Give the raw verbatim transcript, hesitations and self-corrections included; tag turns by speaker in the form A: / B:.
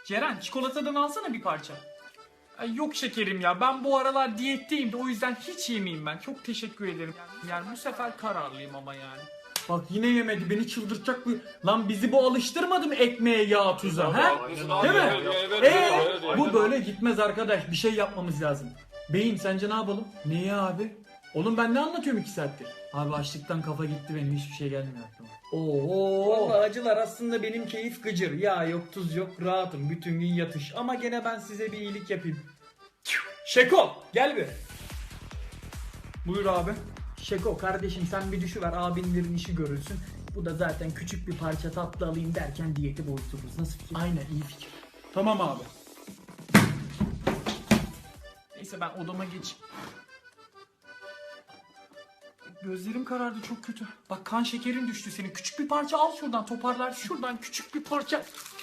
A: Ceren çikolatadan alsana bir parça. Ay yok şekerim ya, ben bu aralar diyetteyim de o yüzden hiç yemeyeyim ben. Çok teşekkür ederim. Yani bu sefer kararlıyım ama yani. Bak yine yemedi, beni çıldırtacak bu. Lan bizi bu alıştırmadı mı ekmeğe, yağ, tuza, he? Değil mi? Eee bu böyle gitmez arkadaş, bir şey yapmamız lazım. Beyim sence ne yapalım? Niye abi? Oğlum ben ne anlatıyorum iki saattir? Abi açlıktan kafa gitti benim, hiçbir şey gelmiyor aklıma. Oo. Vallahi acılar aslında benim keyif gıcır. Ya yok tuz yok, rahatım bütün gün yatış. Ama gene ben size bir iyilik yapayım. Şeko gel bir. Buyur abi. Şeko kardeşim sen bir düşüver, abinlerin işi görülsün. Bu da zaten küçük bir parça tatlı alayım derken diyeti bozdururuz. Nasıl fikir? Aynen, iyi fikir. Tamam abi. Neyse ben odama geçeyim. Gözlerim karardı çok kötü. Bak kan şekerin düştü senin. Küçük bir parça al şuradan, toparlar. Şuradan küçük bir parça.